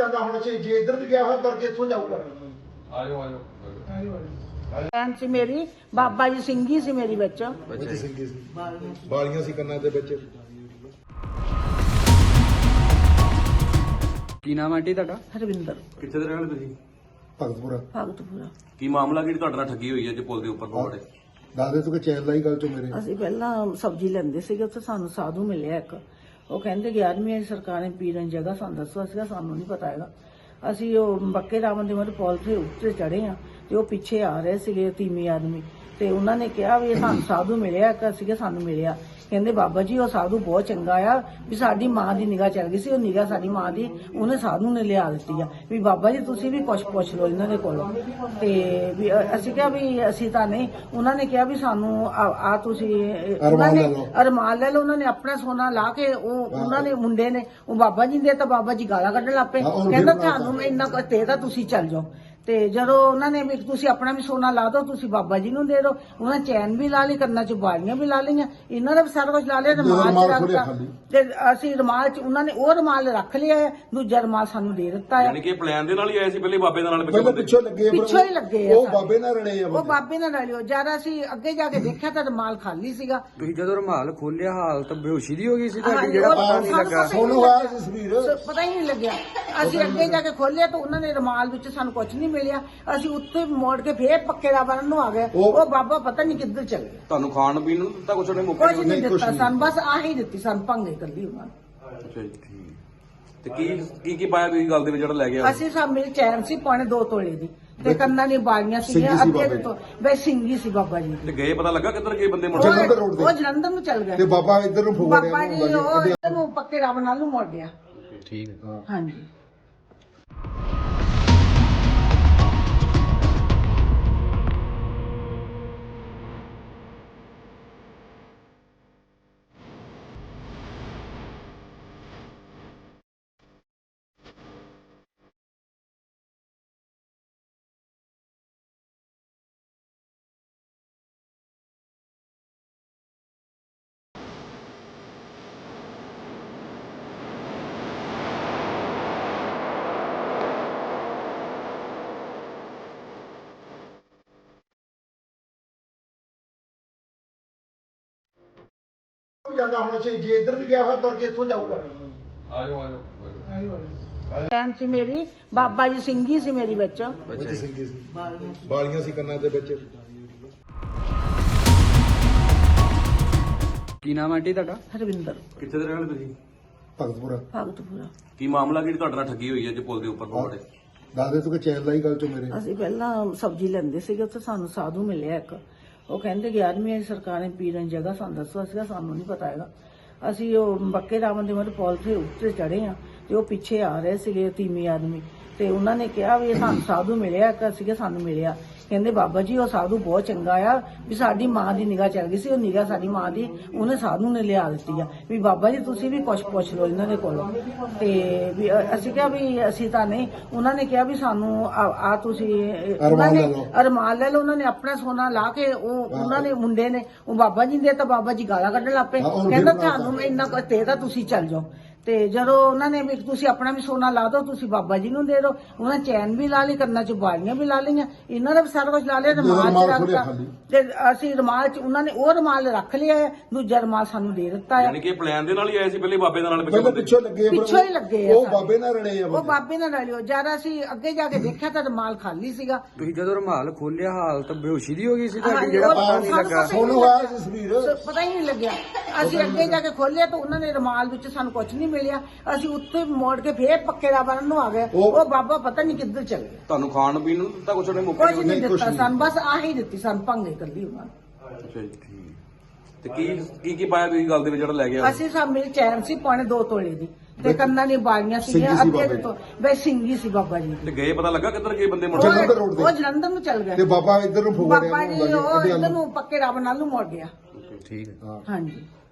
ਜਾਂਦਾ ਹੁਣ ਜੇ ਇੱਧਰ ਵੀ ਗਿਆ ਹੋਇਆ ਤੁਰ ਕੇ ਇੱਥੋਂ ਜਾਊਗਾ। ਆਜੋ ਆਜੋ ਭੈਣ ਸੀ ਮੇਰੀ, ਬਾਬਾ ਜੀ ਸਿੰਘੀ ਸੀ ਮੇਰੀ ਵਿੱਚ। ਬੱਚੇ ਸਿੰਘੀ ਸੀ, ਬਾਲੀਆਂ ਸੀ ਕੰਨਾਂ ਦੇ ਵਿੱਚ। ਕੀ ਨਾਮ ਆਂਟੀ ਤੁਹਾਡਾ? ਹਰਵਿੰਦਰ। ਕਿੱਥੇ ਦੇ ਰਹਿਣ ਵਾਲੇ ਤੁਸੀਂ? ਭਗਤਪੁਰਾ। ਭਗਤਪੁਰਾ। ਕੀ ਮਾਮਲਾ ਜਿਹੜੀ ਤੁਹਾਡੇ ਨਾਲ ਠੱਗੀ ਹੋਈ ਹੈ ਜੇ ਪੁਲ ਦੇ ਉੱਪਰ ਪਵਾੜੇ? ਦੱਸਦੇ ਤੂੰ ਕਿ ਚੈਨ ਲਾਈ ਗੱਲ ਚੋਂ ਮੇਰੇ। ਅਸੀਂ ਪਹਿਲਾਂ ਸਬਜ਼ੀ ਲੈਂਦੇ ਸੀਗੇ, ਉੱਥੇ ਸਾਨੂੰ ਸਾਧੂ ਮਿਲਿਆ ਇੱਕ। ਉਹ ਕਹਿੰਦੇ 11ਵੀਂ ਸਰਕਾਰ ਨੇ ਪੀਰਨ ਜਗ੍ਹਾ ਸਾਨੂੰ ਦੱਸੋ। ਸੀਗਾ ਸਾਨੂੰ ਨਹੀਂ ਪਤਾ ਹੈਗਾ। ਅਸੀਂ ਉਹ ਬੱਕੇ ਰਾਵਣ ਦੇ ਮੋਰੇ ਪੁਲ ਤੇ ਉੱਤੇ ਚੜੇ ਆ ਤੇ ਉਹ ਪਿੱਛੇ ਆ ਰਹੇ ਸੀਗੇ ਤੀਮੀ ਆਦਮੀ, ਤੇ ਉਹਨਾਂ ਨੇ ਕਿਹਾ ਵੀ ਇਹ ਸਾਨੂੰ ਸਾਧੂ ਮਿਲਿਆ ਇੱਕ। ਸੀਗਾ ਸਾਨੂੰ ਮਿਲਿਆ, ਕਹਿੰਦੇ ਬਾਬਾ ਜੀ ਉਹ ਸਾਧੂ ਬਹੁਤ ਚੰਗਾ ਆ, ਵੀ ਸਾਡੀ ਮਾਂ ਦੀ ਨਿਗਾਹ ਚੱਲ ਗਈ ਸੀ, ਉਹ ਨਿਗਾਹ ਸਾਡੀ ਮਾਂ ਦੀ ਉਹਨੇ ਸਾਧੂ ਨੇ ਲਿਆ ਦਿੱਤੀ ਆ, ਵੀ ਬਾਬਾ ਜੀ ਤੁਸੀਂ ਵੀ ਕੁਛ ਪੁੱਛ ਲਓ ਇਹਨਾਂ ਦੇ ਕੋਲੋਂ। ਤੇ ਵੀ ਅਸੀਂ ਕਿਹਾ ਵੀ ਅਸੀਂ ਤਾਂ ਨਹੀਂ। ਉਹਨਾਂ ਨੇ ਕਿਹਾ ਵੀ ਸਾਨੂੰ ਆ ਤੁਸੀਂ ਉਹਨਾਂ ਨੇ ਅਰਮਾਨ ਲੈ ਲਓ। ਉਹਨਾਂ ਨੇ ਆਪਣਾ ਸੋਨਾ ਲਾ ਕੇ ਉਹਨਾਂ ਨੇ ਮੁੰਡੇ ਨੇ ਉਹ ਬਾਬਾ ਜੀ ਦੇ ਤਾਂ ਬਾਬਾ ਜੀ ਗਾਲਾਂ ਕੱਢਣ ਲੱਗ ਪਏ, ਕਹਿੰਦਾ ਤੁਹਾਨੂੰ ਇੰਨਾ ਕੁ ਦੇ ਤਾਂ ਤੁਸੀਂ ਚੱਲ ਜਾਓ। ਤੇ ਜਦੋਂ ਉਹਨਾਂ ਨੇ ਵੀ ਤੁਸੀਂ ਆਪਣਾ ਵੀ ਸੋਨਾ ਲਾ ਦਿਓ, ਤੁਸੀਂ ਬਾਬਾ ਜੀ ਨੂੰ ਦੇ ਦਿਓ। ਉਹਨਾਂ ਚੈਨ ਵੀ ਲਾ ਲਈ, ਕੰਨਾਂ 'ਚ ਬਾਲੀਆਂ ਵੀ ਲਾ ਲਈਆਂ, ਇਹਨਾਂ ਦਾ ਵੀ ਸਾਰਾ ਕੁਝ ਲਾ ਲਿਆ। ਰੁਮਾਲ ਰੱਖਤਾ ਤੇ ਅਸੀਂ ਰੁਮਾਲ 'ਚ ਉਹਨਾਂ ਨੇ ਉਹ ਰੁਮਾਲ ਰੱਖ ਲਿਆ, ਦੂਜਾ ਰੁਮਾਲ ਸਾਨੂੰ ਦੇ ਦਿੱਤਾ ਹੈ। ਯਾਨੀ ਕਿ ਪਲਾਨ ਦੇ ਨਾਲ ਹੀ ਆਏ ਸੀ ਪਹਿਲੇ ਬਾਬੇ ਦੇ ਨਾਲ ਪਿੱਛੋਂ ਲੱਗੇ, ਪਿੱਛੋਂ ਹੀ ਲੱਗੇ ਆ। ਉਹ ਬਾਬੇ ਨਾਲ ਰਲੇ ਆ। ਉਹ ਬਾਬੇ ਨਾਲ ਰਲਿਓ। ਜਦ ਅਸੀਂ ਅੱਗੇ ਜਾ ਕੇ ਦੇਖਿਆ ਤਾਂ ਰੁਮਾਲ ਖਾਲੀ ਸੀਗਾ। ਤੁਸੀਂ ਜਦੋਂ ਰੁਮਾਲ ਖੋਲਿਆ ਹਾਲਤ ਬੇਹੋਸ਼ੀ ਦੀ ਹੋ ਗਈ ਸੀ ਤੁਹਾਡੀ? ਜਿਹੜਾ ਪਤਾ ਨਹੀਂ ਲੱਗਾ ਸੋਨੂੰ ਆਇਆ ਸੀ ਸਰੀਰ, ਪਤਾ ਹੀ ਨਹੀਂ ਲੱਗਿਆ। ਅਸੀਂ ਅੱਗੇ ਜਾ ਕੇ ਖੋਲਿਆ ਤਾਂ ਉਹਨਾਂ ਨੇ ਰੁਮਾਲ ਵਿੱਚ ਸਾਨੂੰ ਕੁਝ ਨਹੀਂ ਮਿਲਿਆ। ਅਸੀਂ ਉੱਥੇ ਮੋੜ ਕੇ ਫੇਰ ਪੱਕੇ ਦਾ ਬਣਨ ਨੂੰ ਆ ਗਏ। ਉਹ ਬਾਬਾ ਪਤਾ ਨਹੀਂ ਕਿੱਧਰ ਚਲ ਗਿਆ। ਤੁਹਾਨੂੰ ਖਾਣ ਪੀਣ ਨੂੰ ਦਿੱਤਾ ਕੁਛ? ਉਹਨੇ ਮੁੱਕਾ ਕੁਝ ਨਹੀਂ ਦਿੱਤਾ ਸਾਨੂੰ, ਬਸ ਆਹੀ ਦਿੱਤੀ ਸਾਨੂੰ ਭੰਗੇ ਕੱਲੀ ਉਹਨਾਂ ਨੇ। ਅੱਛਾ ਜੀ, ਠੀਕ। ਤੇ ਕੀ ਪਾਇਆ ਤੁਸੀਂ ਗੱਲ ਦੇ ਵਿੱਚ ਜਿਹੜਾ ਲੈ ਗਿਆ? ਅਸੀਂ ਸਭ ਮੇਰੇ ਚੈਨ ਸੀ 2.5 ਤੋਲੇ ਦੀ, ਤੇ ਕੰਨਾਂ ਦੀ ਬਾਲੀਆਂ ਸੀਗੀਆਂ ਅੱਗੇ ਤੋਂ। ਬਈ ਸਿੰਘੀ ਸੀ ਬਾਬਾ ਜੀ। ਤੇ ਗਏ ਪਤਾ ਲੱਗਾ ਕਿੱਧਰ ਗਏ ਬੰਦੇ? ਜਲੰਧਰ ਰੋਡ ਉਹ ਜਲੰਧਰ ਨੂੰ ਚੱਲ ਤੇ ਗਏ। ਬਾਬਾ ਇੱਧਰ ਨੂੰ ਫੋੜਿਆ। ਬਾਬਾ ਜੀ ਉਹ ਇੱਧਰ ਨੂੰ ਪੱਕੇ ਰਾਵਣ ਨਾਲ ਨੂੰ ਮੁੜ ਗਿਆ। ਠੀਕ ਹੈ। ਹਾਂਜੀ। ਜਾਂਦਾ ਹੁਣ ਜੇ ਇੱਧਰ ਵੀ ਗਿਆ ਹੋਇਆ ਤੁਰ ਕੇ ਇੱਥੋਂ ਜਾਊਗਾ। ਆਜੋ ਆਜੋ ਭੈਣ ਸੀ ਮੇਰੀ, ਬਾਬਾ ਜੀ ਸਿੰਘੀ ਸੀ ਮੇਰੀ ਵਿੱਚ। ਬੱਚੇ ਸਿੰਘੀ ਸੀ, ਬਾਲੀਆਂ ਸੀ ਕੰਨਾਂ ਦੇ ਵਿੱਚ। ਕੀ ਨਾਮ ਆਂਟੀ ਤੁਹਾਡਾ? ਹਰਵਿੰਦਰ। ਕਿੱਥੇ ਦੇ ਰਹਿਣ ਵਾਲੇ ਤੁਸੀਂ? ਭਗਤਪੁਰਾ। ਭਗਤਪੁਰਾ। ਕੀ ਮਾਮਲਾ ਜਿਹੜੀ ਤੁਹਾਡੇ ਨਾਲ ਠੱਗੀ ਹੋਈ ਹੈ ਜੇ ਪੁਲ ਦੇ ਉੱਪਰ ਪਵਾੜੇ? ਦੱਸਦੇ ਤੂੰ ਕਿ ਚੈਨ ਲਾਈ ਗੱਲ ਚੋਂ ਮੇਰੇ। ਅਸੀਂ ਪਹਿਲਾਂ ਸਬਜ਼ੀ ਲੈਂਦੇ ਸੀਗੇ, ਉੱਥੇ ਸਾਨੂੰ ਸਾਧੂ ਮਿਲਿਆ ਇੱਕ। ਉਹ ਕਹਿੰਦੇ 11ਵੀਂ ਸਰਕਾਰ ਨੇ ਪੀਰਨ ਜਗ੍ਹਾ ਸਾਨੂੰ ਦੱਸੋ। ਸੀਗਾ ਸਾਨੂੰ ਨਹੀਂ ਪਤਾ ਹੈਗਾ। ਅਸੀਂ ਉਹ ਬੱਕੇ ਰਾਵਣ ਦੇ ਮੋਰੇ ਪੁਲ ਤੇ ਉੱਤੇ ਚੜੇ ਆ ਤੇ ਉਹ ਪਿੱਛੇ ਆ ਰਹੇ ਸੀਗੇ ਤੀਮੀ ਆਦਮੀ, ਤੇ ਉਹਨਾਂ ਨੇ ਕਿਹਾ ਵੀ ਇਹ ਸਾਨੂੰ ਸਾਧੂ ਮਿਲਿਆ ਇੱਕ। ਸੀਗਾ ਸਾਨੂੰ ਮਿਲਿਆ, ਕਹਿੰਦੇ ਬਾਬਾ ਜੀ ਉਹ ਸਾਧੂ ਬਹੁਤ ਚੰਗਾ ਆ, ਵੀ ਸਾਡੀ ਮਾਂ ਦੀ ਨਿਗਾਹ ਚੱਲ ਗਈ ਸੀ, ਉਹ ਨਿਗਾਹ ਸਾਡੀ ਮਾਂ ਦੀ ਉਹਨੇ ਸਾਧੂ ਨੇ ਲਿਆ ਦਿੱਤੀ ਆ, ਵੀ ਬਾਬਾ ਜੀ ਤੁਸੀਂ ਵੀ ਕੁਛ ਪੁੱਛ ਲਓ ਇਹਨਾਂ ਦੇ ਕੋਲੋਂ। ਤੇ ਵੀ ਅਸੀਂ ਕਿਹਾ ਵੀ ਅਸੀਂ ਤਾਂ ਨਹੀਂ। ਉਹਨਾਂ ਨੇ ਕਿਹਾ ਵੀ ਸਾਨੂੰ ਆ ਤੁਸੀਂ ਉਹਨਾਂ ਨੇ ਅਰਮਾਨ ਲੈ ਲਓ। ਉਹਨਾਂ ਨੇ ਆਪਣਾ ਸੋਨਾ ਲਾ ਕੇ ਉਹਨਾਂ ਨੇ ਮੁੰਡੇ ਨੇ ਉਹ ਬਾਬਾ ਜੀ ਦੇ ਤਾਂ ਬਾਬਾ ਜੀ ਗਾਲਾਂ ਕੱਢਣ ਲੱਗ ਪਏ, ਕਹਿੰਦਾ ਤੁਹਾਨੂੰ ਇੰਨਾ ਕੁ ਦੇ ਤਾਂ ਤੁਸੀਂ ਚੱਲ ਜਾਓ। ਤੇ ਜਦੋਂ ਉਹਨਾਂ ਨੇ ਵੀ ਤੁਸੀਂ ਆਪਣਾ ਵੀ ਸੋਨਾ ਲਾ ਦਿਓ, ਤੁਸੀਂ ਬਾਬਾ ਜੀ ਨੂੰ ਦੇ ਦਿਓ। ਉਹਨਾਂ ਚੈਨ ਵੀ ਲਾ ਲਈ, ਕੰਨਾਂ 'ਚ ਬਾਲੀਆਂ ਵੀ ਲਾ ਲਈਆਂ, ਇਹਨਾਂ ਦਾ ਵੀ ਸਾਰਾ ਕੁਝ ਲਾ ਲਿਆ। ਰੁਮਾਲ ਰੱਖਤਾ ਤੇ ਅਸੀਂ ਰੁਮਾਲ 'ਚ ਉਹਨਾਂ ਨੇ ਉਹ ਰੁਮਾਲ ਰੱਖ ਲਿਆ, ਦੂਜਾ ਰੁਮਾਲ ਸਾਨੂੰ ਦੇ ਦਿੱਤਾ ਹੈ। ਯਾਨੀ ਕਿ ਪਲਾਨ ਦੇ ਨਾਲ ਹੀ ਆਏ ਸੀ ਪਹਿਲੇ ਬਾਬੇ ਦੇ ਨਾਲ ਪਿੱਛੋਂ ਲੱਗੇ, ਪਿੱਛੋਂ ਹੀ ਲੱਗੇ ਆ। ਉਹ ਬਾਬੇ ਨਾਲ ਰਲੇ ਆ। ਉਹ ਬਾਬੇ ਨਾਲ ਰਲਿਓ। ਜਦ ਅਸੀਂ ਅੱਗੇ ਜਾ ਕੇ ਦੇਖਿਆ ਤਾਂ ਰੁਮਾਲ ਖਾਲੀ ਸੀਗਾ। ਤੁਸੀਂ ਜਦੋਂ ਰੁਮਾਲ ਖੋਲਿਆ ਹਾਲਤ ਬੇਹੋਸ਼ੀ ਦੀ ਹੋ ਗਈ ਸੀ ਤੁਹਾਡੀ? ਜਿਹੜਾ ਪਤਾ ਨਹੀਂ ਲੱਗਾ ਸੋਨੂੰ ਆਇਆ ਸੀ ਸਰੀਰ, ਪਤਾ ਹੀ ਨਹੀਂ ਲੱਗਿਆ। ਅਸੀਂ ਅੱਗੇ ਜਾ ਕੇ ਖੋਲਿਆ ਤਾਂ ਉਹਨਾਂ ਨੇ ਰੁਮਾਲ ਵਿੱਚ ਸਾਨੂੰ ਕੁਝ ਨਹੀਂ ਮਿਲਿਆ। ਅਸੀਂ ਉੱਥੇ ਮੋੜ ਕੇ ਫੇਰ ਪੱਕੇ ਦਾ ਬਣਨ ਨੂੰ ਆ ਗਏ। ਉਹ ਬਾਬਾ ਪਤਾ ਨਹੀਂ ਕਿੱਧਰ ਚਲ ਗਿਆ। ਤੁਹਾਨੂੰ ਖਾਣ ਪੀਣ ਨੂੰ ਦਿੱਤਾ ਕੁਛ? ਉਹਨੇ ਮੁੱਕਾ ਕੁਝ ਨਹੀਂ ਦਿੱਤਾ ਸਾਨੂੰ, ਬਸ ਆਹੀ ਦਿੱਤੀ ਸਾਨੂੰ ਭੰਗੇ ਕੱਲੀ ਉਹਨਾਂ ਨੇ। ਅੱਛਾ ਜੀ, ਠੀਕ। ਤੇ ਕੀ ਪਾਇਆ ਤੁਸੀਂ ਗੱਲ ਦੇ ਵਿੱਚ ਜਿਹੜਾ ਲੈ ਗਿਆ? ਅਸੀਂ ਸਭ ਮੇਰੇ ਚੈਨ ਸੀ 2.5 ਤੋਲੇ ਦੀ, ਤੇ ਕੰਨਾਂ ਦੀ ਬਾਲੀਆਂ ਸੀਗੀਆਂ ਅੱਗੇ ਤੋਂ। ਬਈ ਸਿੰਘੀ ਸੀ ਬਾਬਾ ਜੀ। ਤੇ ਗਏ ਪਤਾ ਲੱਗਾ ਕਿੱਧਰ ਗਏ ਬੰਦੇ? ਜਲੰਧਰ ਰੋਡ ਉਹ ਜਲੰਧਰ ਨੂੰ ਚੱਲ ਗਏ। ਤੇ ਬਾਬਾ ਇੱਧਰ ਨੂੰ ਫੋੜਿਆ। ਬਾਬਾ ਜੀ ਉਹ ਇੱਧਰ ਨੂੰ ਪੱਕੇ ਰਾਵਣ ਨਾਲ ਨੂੰ ਮੁੜ ਗਿਆ। ਠੀਕ ਹੈ। ਹਾਂਜੀ।